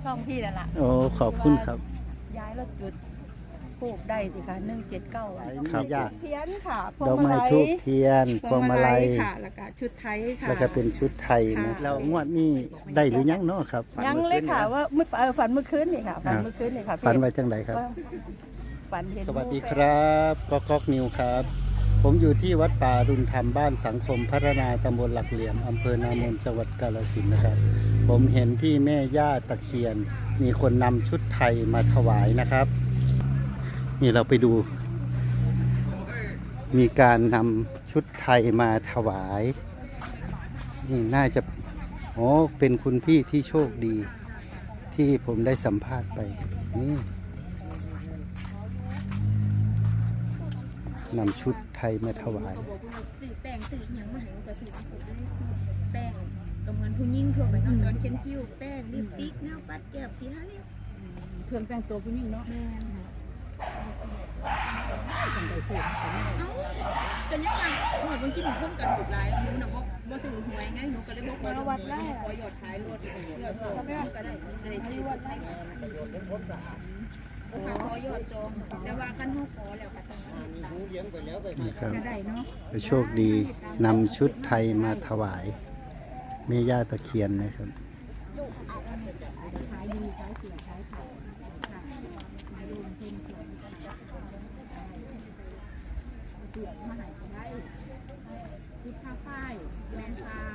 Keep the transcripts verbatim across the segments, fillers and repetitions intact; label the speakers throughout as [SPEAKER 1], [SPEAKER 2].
[SPEAKER 1] ช่องพี่นั่นแหละ
[SPEAKER 2] โอ้ขอบคุณครับ
[SPEAKER 1] ย้ายแล้วจุดปลูกได้สิคะหนึ่งเจ็ดเก้า
[SPEAKER 2] ครับยาก
[SPEAKER 1] เทียนค่ะพว
[SPEAKER 2] ด
[SPEAKER 1] ง
[SPEAKER 2] อก
[SPEAKER 1] มา
[SPEAKER 2] ไม้
[SPEAKER 1] ลัย
[SPEAKER 2] ทูบเทียนพวงมาลัย
[SPEAKER 1] ค่ะแล้วก็ชุดไทยค่ะ
[SPEAKER 2] แล้วก็เป็นชุดไทยนะ
[SPEAKER 1] ค่ะ
[SPEAKER 2] แล้วงวดนี้ได้หรือยังเนาะครับ
[SPEAKER 1] ยังเลยค่ะว่าเมื่อเออฝันเมื่อคืนนี่ค่ะฝันเมื่อคืนนี่ค่ะ
[SPEAKER 2] ฝันไว้จังไดครับ
[SPEAKER 1] ว่าฝันเห็น
[SPEAKER 2] สวัสดีครับก๊อกก๊อกนิวครับ ผมอยู่ที่วัดป่ารุนธรรมบ้านสังคมพัฒนาตำบลหลักเหลี่ยมอำเภอนามนจังหวัดกาฬสินธุ์นะครับ ผมเห็นที่แม่ย่าตะเคียน มีคนนำชุดไทยมาถวายนะครับ นี่เราไปดู มีการนำชุดไทยมาถวายนี่น่าจะโอ้เป็นคุณพี่ที่โชคดี ที่ผมได้สัมภาษณ์ไปนี่นำชุดไทยมาถวาย
[SPEAKER 3] สื่อแป้งสื่ออย่างมาให้ก็สื่อผมได้สื่อแป้งตรงเงินผู้ยิ่งทั่วไปเนาะจอนเขียนคิ้วแป้งลิปสติกแนวปัดแก้มสีทาเล็บ
[SPEAKER 1] เครื่องแต่งตัวผู้หญิงเนาะ
[SPEAKER 3] แม่นค่ะ
[SPEAKER 1] คนใดสูง
[SPEAKER 3] เอ้ากันยังไงหมดบางทีหนึ่งคนกันถูกหลายหนูน่ะบ่บ่ซื้อหวยไงหนูก็เลยบ่ขอวัดได้ขอยอดท้ายรถเลือกก็ได้ก็ได้อะไรที่วัดได้ค่ะขอยอดจองแต่ว่ากันเฮาขอแล้วก็ต้อง
[SPEAKER 2] นะครับ
[SPEAKER 3] ก็ได้เนาะ
[SPEAKER 2] โชคดีนำชุดไทยมาถวายแม่ย่าตะเคียนนะครับ
[SPEAKER 3] ขายดีขายเสียขายขาดค่ะมาดูเพิ่นเสือมาให้ก็ได้ทิพย์ผ้าฝ้ายแมนฟาร์ม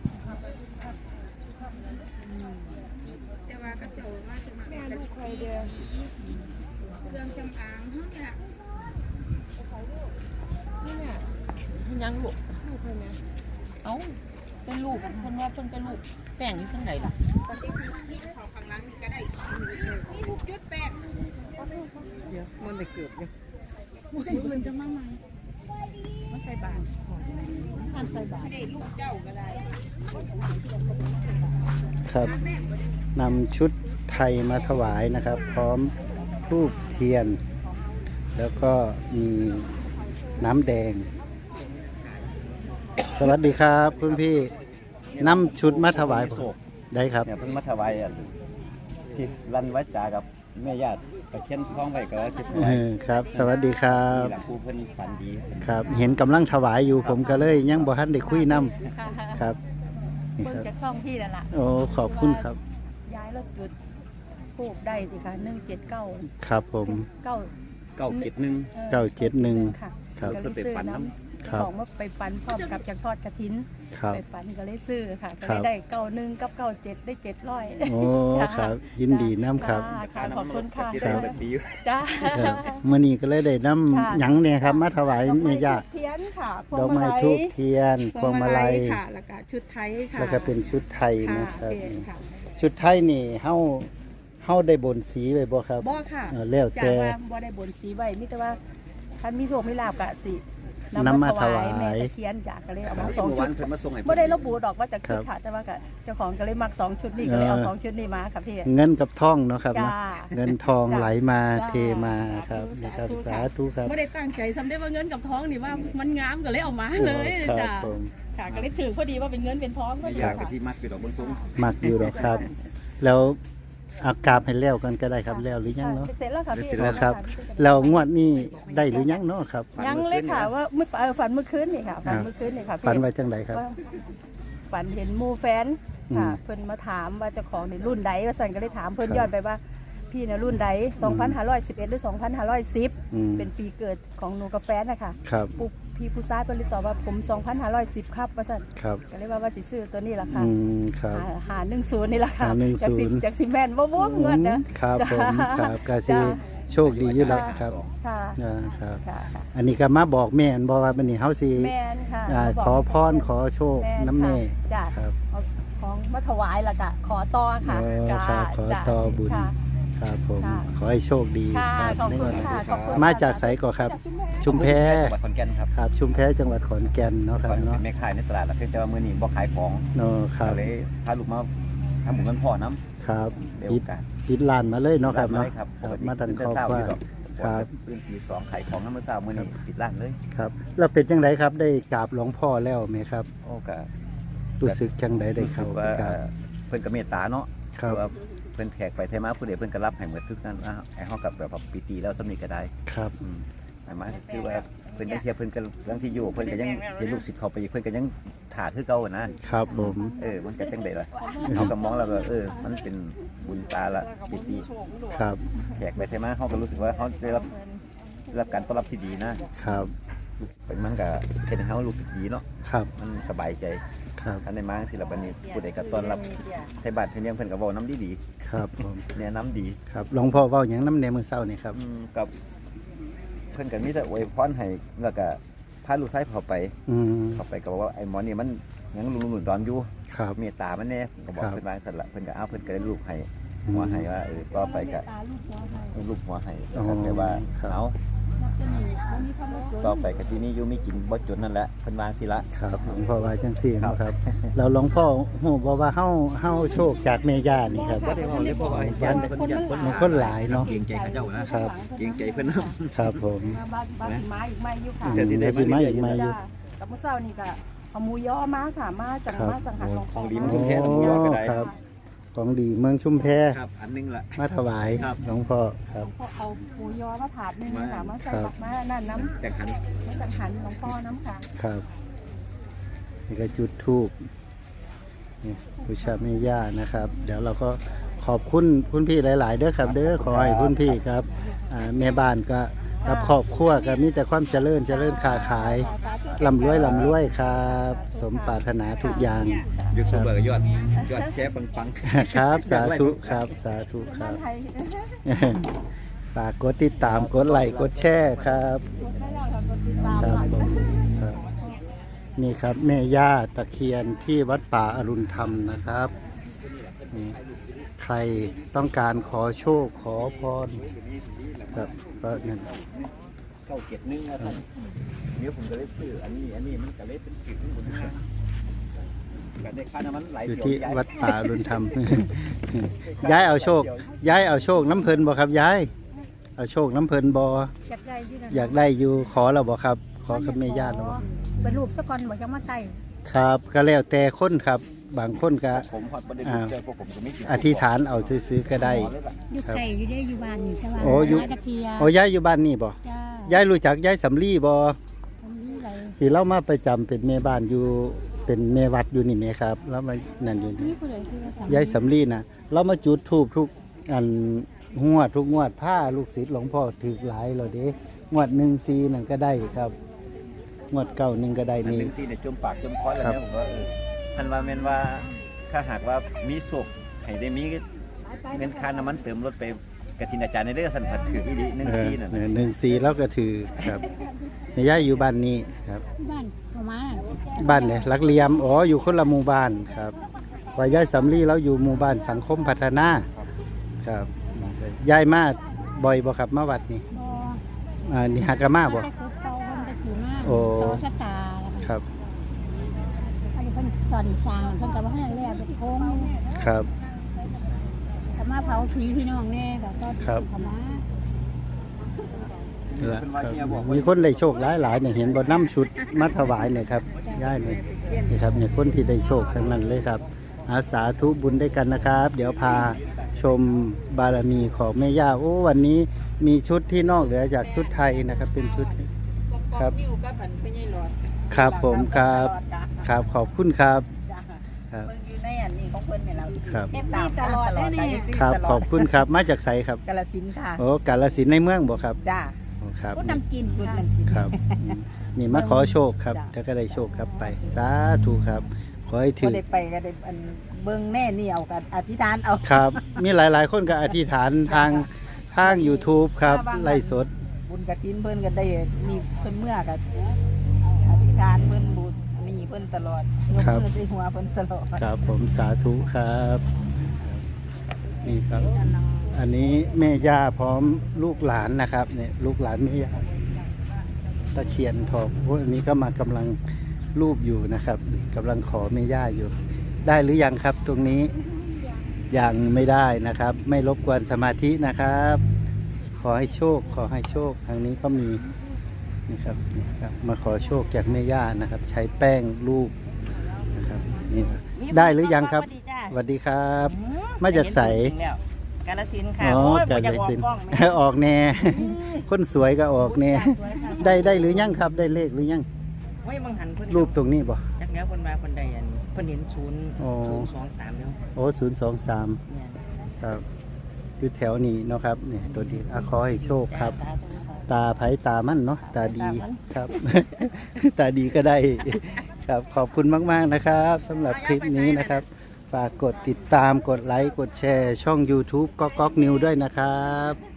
[SPEAKER 3] แต่ว่ากระโจนว่าจะมาแม่ลูกใครเดียวเครื่องจำอางเท่านี้นี่เนี่ย
[SPEAKER 1] ยังลูกลูกใครแม่เอ้าเป็นลูกคนว่าเพิ่นเป็นลูกแป้งอยู่ทางไหนล่ะ
[SPEAKER 3] ปฏิทินที่เขาข้างล่างนี่ก็ได้นี่ทุกจุดแปด
[SPEAKER 1] เดี๋ยวมันไปเกือบอยู่
[SPEAKER 3] มันจะมาใหม่
[SPEAKER 1] มันใส่บาทท่านใส่บาท
[SPEAKER 3] ไม่ได้ลูกเจ้าก็ได้
[SPEAKER 2] ครับนำชุดไทยมาถวายนะครับ พร้อมธูปเทียน แล้วก็มีน้ำแดง สวัสดีครับคุณพี่นำชุดมาถวายผมได้ครับ
[SPEAKER 4] เนี่ยเพิ่งมาถวายอ่ะที่รันไว้จากับแม่ญาติตะเคียนท้องไว้ก็คิด
[SPEAKER 2] เออครับ สวัสดีครับ
[SPEAKER 4] หลังครูเพิ่นฝันดี
[SPEAKER 2] ครับ เห็นกำลังถวายอยู่ผมก็เลยยังบ่ทันได้คุยนำ
[SPEAKER 1] ค่ะ
[SPEAKER 2] ครับนี่
[SPEAKER 1] เบิ่ง
[SPEAKER 2] ครับ
[SPEAKER 1] จากช่องพี่นั่นแหละ
[SPEAKER 2] โอ้ขอบคุณครับ
[SPEAKER 1] ย้ายแล้วจุดปลูกได้สิคะหนึ่งเจ็ดเก้า
[SPEAKER 2] ครับผม
[SPEAKER 1] เก้า
[SPEAKER 4] เก้าเจ็ดหนึ่ง
[SPEAKER 2] เก้าเจ็ดหนึ่ง
[SPEAKER 1] ค่ะ
[SPEAKER 2] ครับ
[SPEAKER 1] ก็เลยซื้อน้ำ
[SPEAKER 2] ครับ
[SPEAKER 1] ของว่าไปฟันพร้อมกับจากทอดกระถิน
[SPEAKER 2] ครับ
[SPEAKER 1] ไปฟันก็เลยซื้อค่ะก็
[SPEAKER 2] ครั
[SPEAKER 1] เลย
[SPEAKER 2] บ
[SPEAKER 1] ได้เก้าหนึ่งกับเก้าเจ็ดได้เจ็ดร้อย
[SPEAKER 2] โอ้ครับยินดีน้ำครับ
[SPEAKER 1] ค่ะขอบคุณค่ะ
[SPEAKER 4] ที่ได้เป็นปีอยู่
[SPEAKER 1] จ้า
[SPEAKER 2] ครับมื่อนี้ก็เลยได้น
[SPEAKER 1] ค่ะ
[SPEAKER 2] ำหยังเนี่ยครับ มาถวาย
[SPEAKER 1] ดอกไม้
[SPEAKER 2] แม่ย่า
[SPEAKER 1] ทูบเทียนค่ะพว
[SPEAKER 2] ด
[SPEAKER 1] ง
[SPEAKER 2] อก
[SPEAKER 1] มา
[SPEAKER 2] ไม้
[SPEAKER 1] ลัย
[SPEAKER 2] ทูบเทียนพวงมาลัย
[SPEAKER 3] ค่ะแล้วก็ชุดไทยค่ะ
[SPEAKER 2] แล้วก็เป็นชุดไทย
[SPEAKER 3] ค่ะ
[SPEAKER 2] นะครับ
[SPEAKER 3] เป็นค่ะ
[SPEAKER 2] ชุดไทยนี่เฮาเฮาได้บนสีไว้บ่ครับ
[SPEAKER 1] บ่ค่ะ
[SPEAKER 2] เออแล้ว
[SPEAKER 1] จาก
[SPEAKER 2] แต่
[SPEAKER 1] ว่าบ่ได้บนสีไว้มิแต่ว่าท่านมีโชคมีลาภกะสิ
[SPEAKER 2] นำมาถวาย
[SPEAKER 1] แม่ตะเคียนจากก็เลยเอามาสอง
[SPEAKER 4] เมื่อ
[SPEAKER 1] ชุ
[SPEAKER 4] วั
[SPEAKER 1] ด
[SPEAKER 4] นเพิ่นมาส่งให้
[SPEAKER 1] บ่ได้ระบุดอกว่าจะคิด
[SPEAKER 2] ครับ
[SPEAKER 1] ค่ะแต่ว่าก็เจ้าของก็เลยมักสองชุดนี้ก็เลยเอา
[SPEAKER 2] เออ
[SPEAKER 1] สองชุดนี้มาค่ะพี่
[SPEAKER 2] เงินกับทองเนาะครับ
[SPEAKER 1] จ้า
[SPEAKER 2] เนาะเงินทอง
[SPEAKER 1] จ้า
[SPEAKER 2] ไหลมา
[SPEAKER 1] จ้า
[SPEAKER 2] เทมาครับนะครับ
[SPEAKER 1] สา
[SPEAKER 2] สา
[SPEAKER 1] ธุ
[SPEAKER 2] ธุครับ
[SPEAKER 1] บ่ได้ตั้งใจสำได้ว่าเงินกับทองนี่ว่ามันงามก็เลยเอามาเลย
[SPEAKER 2] ครับ
[SPEAKER 1] จ้า
[SPEAKER 2] ผม
[SPEAKER 1] ค่ะก็เลยถือพอดีว่าเป็นเงินเป็นทองก็
[SPEAKER 4] แม่
[SPEAKER 1] ดี
[SPEAKER 4] ญาติกับ
[SPEAKER 1] ค่ะ
[SPEAKER 4] ที่มัดอยู่ดอกบนสูง
[SPEAKER 2] มักอยู่หรอกครับ แล้วอากาศให้แล้วกันก็ได้ครับแล้วหรือยังเนาะ
[SPEAKER 1] เสร็จแล้วค่ะพี่
[SPEAKER 2] แล้วครับ แล้วงวดนี้ได้หรือยังเนาะครับ
[SPEAKER 1] ยังเลยค่ะว่าเมื่อเออฝันเมื่อคืนนี่ค่ะฝันเมื่อคืนนี่ค่ะพี่
[SPEAKER 2] ฝันไว้จังไดครับ
[SPEAKER 1] ว่าฝันเห็นหมู่แฟนค่ะ
[SPEAKER 2] อืม
[SPEAKER 1] เพิ่นมาถามว่าเจ้าของในรุ่นใดว่าสั่นก็เลยถามเพิ่น
[SPEAKER 2] ครับ
[SPEAKER 1] ย้อนไปว่าพี่ในรุ่นใดสองพันห้าร้อยสิบเอ็ดหรือสองพันห้าร้อยสิบ
[SPEAKER 2] อืม
[SPEAKER 1] เป็นปีเกิดของหนูกับแฟนนะคะ
[SPEAKER 2] ครับ
[SPEAKER 1] ปุ๊บพี่ผู้ชายเพิ่นเลยตอบว่าผมสองพันห้าร้อยสิบครับว่าสั่น
[SPEAKER 2] ครับ
[SPEAKER 1] ก็เลยว่าว่าสิซื้อตัวนี้ล่ะค่ะ
[SPEAKER 2] อืมครับ
[SPEAKER 1] หาหาหนึ่งศูนย์นี่ล่ะค่ะ
[SPEAKER 2] หาหนึ่งศูนย์
[SPEAKER 1] จากสิจากสิแม่นบ่บ่เงินนะครับ
[SPEAKER 2] ผมครับก็สิ
[SPEAKER 1] จ้า
[SPEAKER 2] โชคดีอยู่แล้วครับ
[SPEAKER 1] ค่ะ
[SPEAKER 2] อ่าครับ
[SPEAKER 1] ค่ะค่ะ
[SPEAKER 2] อันนี้ก็มาบอกแม่นบอกว่าบัดนี้เฮาสิ
[SPEAKER 1] แม่นค่ะ
[SPEAKER 2] อ่า
[SPEAKER 1] มาบอก
[SPEAKER 2] ขอพรขอโชคน้ำแม่
[SPEAKER 1] จ้ะ
[SPEAKER 2] ครับ
[SPEAKER 1] เอาของมาถวายล่ะค่ะขอต่อค่ะ
[SPEAKER 2] อ๋อ
[SPEAKER 1] จ้า
[SPEAKER 2] ครับขอ
[SPEAKER 1] จ้า
[SPEAKER 2] ต่อบุญ
[SPEAKER 1] ค่ะ
[SPEAKER 2] ครับผม
[SPEAKER 1] ค่ะ
[SPEAKER 2] ขอให้โชคดี
[SPEAKER 1] ค่ะ
[SPEAKER 2] ครับ
[SPEAKER 1] ขอบ
[SPEAKER 2] ใน
[SPEAKER 1] คุ
[SPEAKER 2] วั
[SPEAKER 1] ณ
[SPEAKER 2] นนี้
[SPEAKER 1] ค่ะขอบคุณ
[SPEAKER 2] มา
[SPEAKER 1] ค่ะ
[SPEAKER 2] จากไสก่อครับ
[SPEAKER 1] จากชุ
[SPEAKER 2] ชุ
[SPEAKER 1] ม
[SPEAKER 2] ม
[SPEAKER 1] แพ
[SPEAKER 2] แพ
[SPEAKER 4] จังหวัดขอนแก่นครับ
[SPEAKER 2] ครับ ชุมแพจังหวัดขอนแก่นเนาะครั
[SPEAKER 4] ก่
[SPEAKER 2] บ
[SPEAKER 4] อน
[SPEAKER 2] เนาะ
[SPEAKER 4] เป็นแม่ขายในตลาดแล้วเพิ่นแต่ว่ามื้อนี้บ่ขายของ
[SPEAKER 2] เนาะครั
[SPEAKER 4] ก็
[SPEAKER 2] บ
[SPEAKER 4] เลยพาลูกมาทำบุญกันพ่อน้ำ
[SPEAKER 2] ครับ
[SPEAKER 4] เดี๋ยว
[SPEAKER 2] ปิ
[SPEAKER 4] โอ
[SPEAKER 2] ด
[SPEAKER 4] กาส
[SPEAKER 2] ปิดร้านมาเลยเนาะครับเนาะ
[SPEAKER 4] ครับ
[SPEAKER 2] ครับ
[SPEAKER 4] ปกติ
[SPEAKER 2] มาตัน
[SPEAKER 4] ตื่
[SPEAKER 2] ครอบ
[SPEAKER 4] เช้า
[SPEAKER 2] ครัว
[SPEAKER 4] อยู่ดอก
[SPEAKER 2] ครับ
[SPEAKER 4] ตื่นตีสองขายของน้ำมื้อเช้ามื้อนี้ปิดร้านเลย
[SPEAKER 2] ครับแล้วเป็นจังไดครับได้กราบหลวงพ่อแล้วไหมครับ
[SPEAKER 4] โอ้ก็
[SPEAKER 2] รู้สึกจังไดได้
[SPEAKER 4] รู้สึ
[SPEAKER 2] เข้าก
[SPEAKER 4] ว่า
[SPEAKER 2] ไปกราบ
[SPEAKER 4] เพิ่นก็เมตตาเนาะ
[SPEAKER 2] ครับ
[SPEAKER 4] ว่าเพิ่นแขกไปไทมาผู้ใดเพิ่นก็รับให้หมดทุกนั้นอ่ะไอ้เฮากับแบบปีตีแล้วสำนีก็ได้
[SPEAKER 2] ครับ
[SPEAKER 4] อืมหมายมาคือว่าเพิ่นยังเทียบเพิ่นก็เรื่องที่อยู่เพิ่นก็ยังเห็นลูกศิษย์เขาไปเพิ่นก็ยังถาคือเก่านะครับ
[SPEAKER 2] ผม
[SPEAKER 4] เออมันก็จังได๋ล่ะเฮาก็มองแล้วก็เออมันเป็นบุญตาละปีตี
[SPEAKER 2] ครับ
[SPEAKER 4] แขกไปไทมาเฮาก็รู้สึกว่าเฮาได้รับได้รับการต้อนรับที่ดีนะครับ มันก็เฮ็ดให้เฮารู้สึกดีเนาะ
[SPEAKER 2] ครับ
[SPEAKER 4] มันสบายใจ
[SPEAKER 2] ครับ
[SPEAKER 4] อันในมาสิละบัดนี้ผู้ใดก็ต้อนรับไทบ้านไทเมืองเพิ่นก็เว้านำดี
[SPEAKER 2] ครับผม
[SPEAKER 4] ๆแนะนำดี
[SPEAKER 2] ครับหลวงพ่อเว้าหยังน้ำแนมื้อเช้านี่ครับ
[SPEAKER 4] อืมกับเพิ่นก็มีแต่อวยพรให้แล้วก็พาลูกชายเข้าไป
[SPEAKER 2] อืม
[SPEAKER 4] เข้าไปก็บอกว่าไอ้หมอนี่มันยังลุงหนุนดอนอยู่
[SPEAKER 2] ครับ
[SPEAKER 4] เมตตามันแน่ก็บอก
[SPEAKER 2] ครับ
[SPEAKER 4] เพิ่นว่าสั่นละเพิ่นก็เอาเพิ่นก็ได้ลูกให้หัวให้ว่าเออต่อไปก็ลูกหัวให้แล้วก็แต่ว่าเอาต่อไปก็ที่มีอยู่มีกินบ่จนนั่นแหละเพิ่นว่าสิละ
[SPEAKER 2] ครับหลวงพ่อว่าจังซี่เนาะครับแล้วหลวงพ่อฮู้บ่ว่าเฮาเฮาโชคจากแม่ย่านี่ครับ
[SPEAKER 4] บ่ได้เว้าเลยเพราะว่าญาติเพิ่นญาติเพิ่น
[SPEAKER 2] มันคนหลายเนาะ
[SPEAKER 4] เกรงใจเขาเจ้านะครับ เกรงใจเพิ่นนำ
[SPEAKER 2] ครับผม
[SPEAKER 3] บ้านบ้านสิมาอีกไม่อยู่ค่ะ
[SPEAKER 2] อืมเดี๋ยวสิมาอีกมาอยู่
[SPEAKER 3] กับมื้อเช้านี่ก็เอาหมูย่อมาค่ะมาจังมาจังหันหลวง
[SPEAKER 4] ของดีมัน
[SPEAKER 2] โอ้
[SPEAKER 4] แค่หมูยอก็ได้
[SPEAKER 2] ครับ ของดีเมืองชุมแพ
[SPEAKER 4] ครับอันนึงล่ะ
[SPEAKER 2] มาถวาย
[SPEAKER 4] ครับ
[SPEAKER 2] หลวงพ่อครับ
[SPEAKER 3] พอเอาหมูยอมาถาดนึงค่ะมาใส่กับมานั่นน้ำ
[SPEAKER 4] จังหัน
[SPEAKER 3] มาจังหันหลวงพ่อน้ำค่ะ
[SPEAKER 2] ครับนี่ก็จุดธูปนี่บูชาแม่ย่านะครับ เดี๋ยวเราก็ขอบคุณคุณพี่หลายๆเด้อครับ เด้อขอให้คุณพี่ครับอ่าแม่บ้านก็กับครอบครัวก็มีแต่ความเจริญเจริญค้าขายร่ำรวยร่ำรวยครับ สมปรารถนาทุกอย่าง
[SPEAKER 4] ยูทูบเบอร์ก็ยอดยอดแชร์ปังๆ
[SPEAKER 2] ครับ สาธุครับ สาธุค
[SPEAKER 3] บ้า
[SPEAKER 2] รั
[SPEAKER 3] น
[SPEAKER 2] บ
[SPEAKER 3] ไทย
[SPEAKER 2] ฝากกดติดตามกดไลค์กดแชร์ครับ
[SPEAKER 3] ให้เราทำกดติดตาม
[SPEAKER 2] ครับผมครับนี่ครับแม่ย่าตะเคียนที่วัดป่าอรุณธรรมนะครับนี่ใครต้องการขอโชคขอพรครับก็นั่น
[SPEAKER 4] เข้าเก็บนึงนะครับเดี๋ยวผมก็เลยซื้ออันนี้อันนี้มันก็เลยเป็นจุดนึงผมก็ได้ค่าน้ำมันไหล
[SPEAKER 2] อยู่
[SPEAKER 4] เที่ยว
[SPEAKER 2] ที่
[SPEAKER 4] ย้าย
[SPEAKER 2] วัดป่าอรุณธรรม ย้ายเอาโชค ย้ายเอาโชคน้ำเพลินบ่ครับย้ายเอาโชคน้ำเพลินบ่
[SPEAKER 3] อยากได้ที่นั่น
[SPEAKER 2] อยากได้อยู่ขอเราบ่ครับ ขอกับแม่ย่าเราบ่
[SPEAKER 3] เป็นรูปสะกอนบอกจะมาใส่
[SPEAKER 2] ครับก็แล้วแต่คนครับ บางคนก็
[SPEAKER 4] ผมพอดประเด็นเจอพวกผมจะไม่กิน
[SPEAKER 2] อธิษฐานเอาซื้อๆก็ได้
[SPEAKER 3] อยู่ไก่อยู่ได้อยู่บ้านนี่ใช่ไหม
[SPEAKER 2] โอ้อยู่
[SPEAKER 3] ตะเคียน
[SPEAKER 2] โอ้ย้ายอยู่บ้านนี่บ่
[SPEAKER 3] จ้า
[SPEAKER 2] ย้ายรู้จักย้ายสำลีบ่
[SPEAKER 3] ทำนี่ไร
[SPEAKER 2] ที่เรามาประจำเป็นแม่บ้านอยู่เป็นแม่วัดอยู่นี่แม่ครับแล้วมานั่นอยู่นี่
[SPEAKER 3] นี่ผู้ใดคือว่า
[SPEAKER 2] ย้ายสำลีน่ะเรามาจุดธูปทุกอันงวดทุกงวดผ้าลูกศิษย์หลวงพ่อถือหลายแล้วเด้งวดหนึ่งซีนั่นก็ได้ครับ งวดเก้าหนึ่งก็ได้
[SPEAKER 4] อัน
[SPEAKER 2] นี่
[SPEAKER 4] หนึ่งซีเนี่ยจมปากจมคอแล้วเนี่ยผมว่าเออท่านว่าแม่นว่าถ้าหากว่ามีศพให้ได้มีเงินค่าน้ำมันเติมรถไปกฐินอาจารย์ในเรื่องสันผัดถืออีดีหนึ่ง
[SPEAKER 2] เออ
[SPEAKER 4] ซีนั่น
[SPEAKER 2] เออหนึ่งซีแล้วก็ถือครับแม่ย้ายอยู่บ้านนี้ครับ
[SPEAKER 3] บ้านประมาณ
[SPEAKER 2] บ้านเนี่ยลักเหลียมอ๋ออยู่คนละหมู่บ้านครับว่าย้ายสำลีแล้วอยู่หมู่บ้านสังคมพัฒนาครับย้ายมาบ่อยบ่ครับมาวัดนี่
[SPEAKER 3] บ่
[SPEAKER 2] อ่านี่หากะมาบ่
[SPEAKER 3] แต่คือเตาเพิ่นตะกี้มาก
[SPEAKER 2] โอ้
[SPEAKER 3] เตาชะตาแล้ว
[SPEAKER 2] ครับ
[SPEAKER 3] อันนี้เพิ่นสอนสร้างเพิ่นก็บ่ให้แล้วเป็นโค้ง
[SPEAKER 2] ครับ
[SPEAKER 3] ก็มาเผาผีพี่น้องแน่แบบก็
[SPEAKER 2] ครับ
[SPEAKER 3] เข้ามา
[SPEAKER 2] นี่แหละครับมีคนได้โชคหลายหลายๆเนี่ยเห็นบ่น้ำชุดมาถวายเนี่ยครับย้ายเนี่ยนี่ครับเนี่ยคนที่ได้โชคทั้งนั้นเลยครับอาสาธุบุญด้วยกันนะครับ เดี๋ยวพาชมบารมีของแม่ย่าโอ้วันนี้มีชุดที่นอกเหนือจากชุดไทยนะครับ เป็นชุดครับ
[SPEAKER 1] นิ้วกับอันเป็นไงหลอด
[SPEAKER 2] ครับผมครับครับขอบคุณครับครับ
[SPEAKER 1] เบิ่งอยู่ในอันนี้ของเพิ่นเนี่ยเรา
[SPEAKER 2] ครับ
[SPEAKER 1] เอฟซีตลอดได้นี่
[SPEAKER 2] ครับขอบคุณครับมาจากไสครับ
[SPEAKER 1] กาฬสินธุ์ค่ะ
[SPEAKER 2] โอ้กาฬสินธุ์ในเมืองบ่ครับ
[SPEAKER 1] จ้า
[SPEAKER 2] โอ้ครับ
[SPEAKER 1] พูดน้ำกินพูดน้ำกิน
[SPEAKER 2] ครับอืมนี่มาขอโชคครับถ้าก็ได้โชคครับไปสาธุครับขอให้
[SPEAKER 1] ก็
[SPEAKER 2] ถึง
[SPEAKER 1] ได้ไปก็ได้อันเบิ่งแน่นี่เอากันอธิษฐานเอา
[SPEAKER 2] ครับ มีหลาย ๆ คนก็อธิษฐานทางทาง YouTube ครับไล่สด
[SPEAKER 1] บุญกฐินเพิ่นก็ได้มีเพิ่นเมื่อก็อธิษฐานเพิ่นบุญมีเพิ่นตลอดยก
[SPEAKER 2] ครับ
[SPEAKER 1] มือใส่หัวเพิ่นตลอด
[SPEAKER 2] ครับผมสาธุครับนี่ครับ อันนี้แม่ย่าพร้อมลูกหลานนะครับเนี่ยลูกหลานแม่ย่าตะเคียนทองพวกอันนี้ก็มากำลังรูปอยู่นะครับกำลังขอแม่ย่าอยู่ ได้หรือยังครับตรงนี้ยังไม่ได้นะครับ ไม่รบกวนสมาธินะครับ ขอให้โชค ขอให้โชคทางนี้ก็มีนี่ครับนี่ครับมาขอโชคจากแม่ย่านะครับ ใช้แป้งรูปนะครับนี่ครับได้หรือยังครับสวัสดีครับ
[SPEAKER 1] อืม
[SPEAKER 2] มาจากไส
[SPEAKER 1] กาฬสินธุ์ค่ะ
[SPEAKER 2] อ๋อ
[SPEAKER 1] โอ้ย
[SPEAKER 2] จาก
[SPEAKER 1] บ่อยาก
[SPEAKER 2] ไส
[SPEAKER 1] ออก
[SPEAKER 2] สิน
[SPEAKER 1] กล้องแม่
[SPEAKER 2] ออกแน่ คนสวยก็ออกแน่ ได้ได้หรือยังครับ ได้เลขหรือยัง
[SPEAKER 1] โอ้ยบางหันเพิ่น
[SPEAKER 2] รูปตรงนี้บ่
[SPEAKER 1] จักแล้วเพิ่นว่าเพิ่นได้อันเพิ่นเห็นศูนย์
[SPEAKER 2] อ๋อ
[SPEAKER 1] ศูนย์สองสามแล้ว
[SPEAKER 2] โอ้ศูนย์สองสาม
[SPEAKER 1] เนี่ย
[SPEAKER 2] ครับอยู่แถวนี้เนาะครับเนี่ยตัวดีอะขอให้โชคครับ
[SPEAKER 1] สาธุค่ะ
[SPEAKER 2] ตาไผตามั่นเนาะตาดี
[SPEAKER 1] ตามั่น
[SPEAKER 2] ครับ ตาดีก็ได้ ครับขอบคุณมากๆนะครับสำหรับคลิปนี้นะครับ ฝากกดติดตามกดไลค์กดแชร์ช่อง YouTube ก๊อกก๊อกนิวด้วยนะครับ